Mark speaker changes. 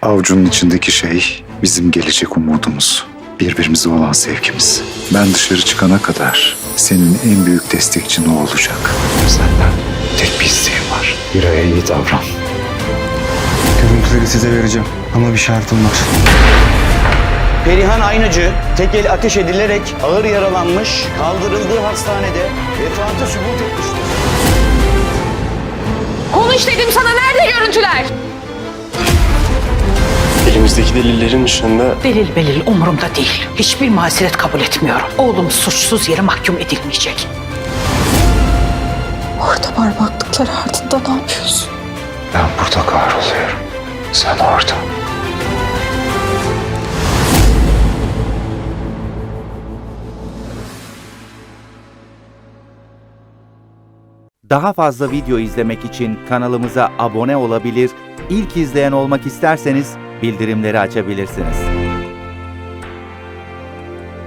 Speaker 1: Avucunun içindeki şey bizim gelecek umudumuz. Birbirimize olan sevgimiz. Ben dışarı çıkana kadar senin en büyük destekçin o olacak. Senden tek bir isteğim var. Hira'ya iyi davran.
Speaker 2: Görüntüleri size vereceğim ama bir şartım var.
Speaker 3: Perihan Aynacı tek el ateş edilerek ağır yaralanmış, kaldırıldığı hastanede vefatı sübut etmiştir.
Speaker 4: Konuş dedim sana, nerede görüntüler?
Speaker 5: Elimizdeki delillerin ışığında
Speaker 6: Delil belil umurumda değil. Hiçbir mazeret kabul etmiyorum. Oğlum suçsuz yere mahkum edilmeyecek.
Speaker 7: Orada parmaklıklar ardında ne yapıyorsun?
Speaker 1: Ben burada kahroluyorum. Sen orada.
Speaker 8: Daha fazla video izlemek için kanalımıza abone olabilir, ilk izleyen olmak isterseniz bildirimleri açabilirsiniz.